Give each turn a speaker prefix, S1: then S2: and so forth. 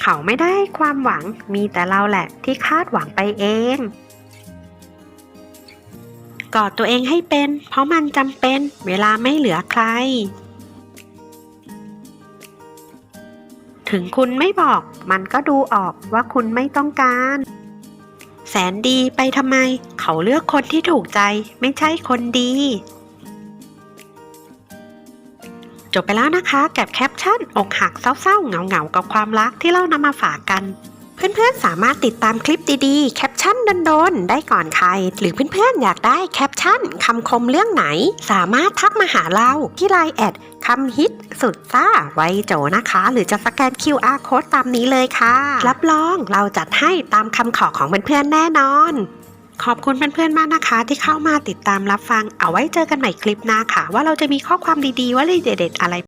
S1: เขาไม่ได้ความหวังมีแต่เราแหละที่คาดหวังไปเองกอดตัวเองให้เป็นเพราะมันจำเป็นเวลาไม่เหลือใครถึงคุณไม่บอกมันก็ดูออกว่าคุณไม่ต้องการแสนดีไปทำไมเขาเลือกคนที่ถูกใจไม่ใช่คนดีจบไปแล้วนะคะกับแคปชั่นอกหักเศร้าๆเหงาๆกับความรักที่เรานำมาฝากกันเพื่อนๆสามารถติดตามคลิปดีๆแคปชั่นโดนๆได้ก่อนใครหรือเพื่อนๆอยากได้แคปชั่นคำคมเรื่องไหนสามารถทักมาหาเราที่ LINE แอดคำฮิตสุดซ่าไวโจนะคะหรือจะสแกน QR Code ตามนี้เลยค่ะรับรองเราจัดให้ตามคำขอของเพื่อนๆแน่นอนขอบคุณเพื่อนๆมากนะคะที่เข้ามาติดตามรับฟังเอาไว้เจอกันใหม่คลิปหน้าค่ะว่าเราจะมีข้อความดีๆว่าเด็ดๆอะไร